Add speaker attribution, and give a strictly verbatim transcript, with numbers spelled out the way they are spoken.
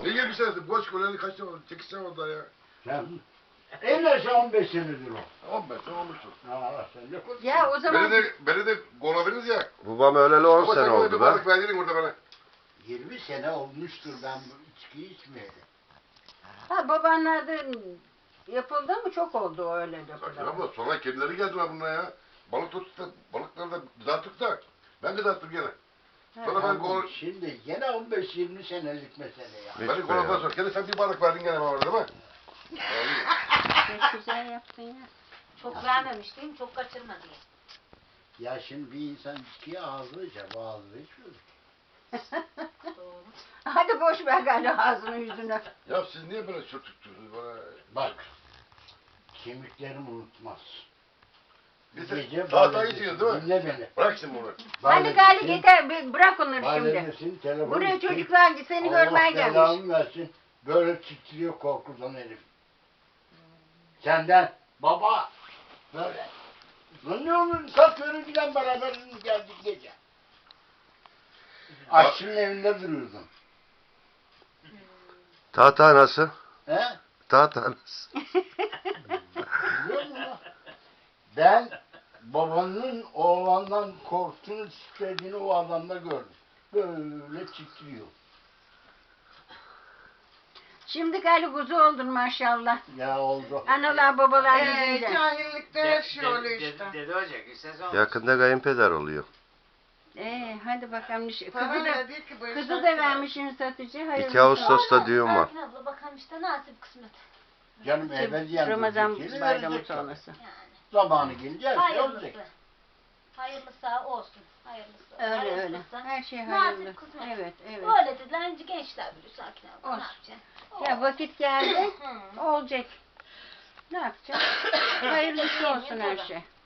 Speaker 1: Ne yirmi senesi? Boş koloni kaç sene oldu? sekiz sene oldu ya.
Speaker 2: Sen en aşağı on beş senedir o.
Speaker 1: on beş sene olmuştur.
Speaker 2: Ha, sen ne konuşuyorsun?
Speaker 3: Ya o zaman
Speaker 1: Beni de, beni de koladınız ya.
Speaker 4: Babam öleli on
Speaker 1: Ama
Speaker 4: sene
Speaker 1: sen bana bir
Speaker 4: oldu be.
Speaker 1: balık verdin orada bana.
Speaker 2: yirmi sene olmuştur ben bu içkiyi içmeyeli.
Speaker 3: ha, babaannerden yapıldı mı çok oldu o öyle
Speaker 1: Sakin
Speaker 3: yapıldı.
Speaker 1: abla sonra kendileri geldiler bununla ya. Balık tuttuk da balıkları da kızarttık da. Ben kızarttım gene. Sonra ben
Speaker 2: Tamam,
Speaker 1: kol...
Speaker 2: şimdi gene on beş yirmi senelik mesele ya.
Speaker 4: Hiç
Speaker 1: Beni
Speaker 4: be
Speaker 1: koladın
Speaker 4: ya.
Speaker 1: sonra. Gene sen bir balık verdin gene bana değil mi?
Speaker 3: Çok güzel yaptın ya.
Speaker 5: Çok vermemiş değil mi? Çok kaçırma diye.
Speaker 2: Ya şimdi bir insan içkiye ağzıyla ağzıyla içmiyor.
Speaker 5: Doğru.
Speaker 3: Hadi boş ver galiba ağzını yüzünü.
Speaker 1: Ya siz niye böyle sürtüktünüz bana?
Speaker 2: Bak, kemiklerim unutmaz.
Speaker 1: Biz
Speaker 2: Gece
Speaker 1: de tahtayı
Speaker 2: balenesi,
Speaker 1: içiyoruz değil mi?
Speaker 2: dinle beni.
Speaker 1: Bırak şimdi bunu.
Speaker 3: Hadi gali yeter bir bırak onları şimdi.
Speaker 2: Balenesin telefonu
Speaker 3: Buraya
Speaker 2: için,
Speaker 3: çocuklar seni görmeye
Speaker 2: Allah
Speaker 3: gelmiş.
Speaker 2: belanı versin. Böyle titriyor korkudan herif. Senden baba böyle. Lan ne olur kalkıyorum giden beraber geldik gece. Aşçının evinde duruyordum.
Speaker 4: Tahta nasıl?
Speaker 2: He?
Speaker 4: Tahta nasıl?
Speaker 2: Biliyor musun? lan? Ben babanın oğlandan korktuğunu titrediğini o adamda gördüm. Böyle titriyor.
Speaker 3: Şimdi gali kuzu oldun maşallah.
Speaker 2: Ya oldu.
Speaker 3: Analar babalar
Speaker 6: Ee,
Speaker 3: yüzünden.
Speaker 6: cahillikte yaşıyor işte.
Speaker 7: Dede olacak istesen olsun.
Speaker 4: Yakında kayınpeder oluyor.
Speaker 3: Ee, hadi bakalım. Kızı da,
Speaker 6: Parayla değil ki bu
Speaker 3: kızı
Speaker 6: işler.
Speaker 3: da vermişsin satıcı. Hayırlısı.
Speaker 4: iki Ağustos'ta düğün var.
Speaker 5: Sakin abla bakalım işte nasip kısmet.
Speaker 2: Canım ebediyen
Speaker 3: Ramazan
Speaker 2: diyecek,
Speaker 3: bayramı
Speaker 2: verecek tabii.
Speaker 3: sonrası.
Speaker 5: Yani.
Speaker 2: Zamanı gelince her şey olacak.
Speaker 5: Hayırlısı. Hayırlısı olsun. Hayırlısı.
Speaker 3: Öyle öyle.
Speaker 5: hayırlısı.
Speaker 3: Her şey
Speaker 5: Nasip
Speaker 3: hayırlı.
Speaker 5: kısmet.
Speaker 3: Evet evet.
Speaker 5: Öyle dediler. Önce gençler biliyor sakin abla.
Speaker 3: Olsun.
Speaker 5: Ne yapacaksın?
Speaker 3: Ya vakit geldi.
Speaker 5: Hı.
Speaker 3: Olacak. Ne yapacağız? Hayırlısı olsun her
Speaker 5: Tabii.
Speaker 3: şey.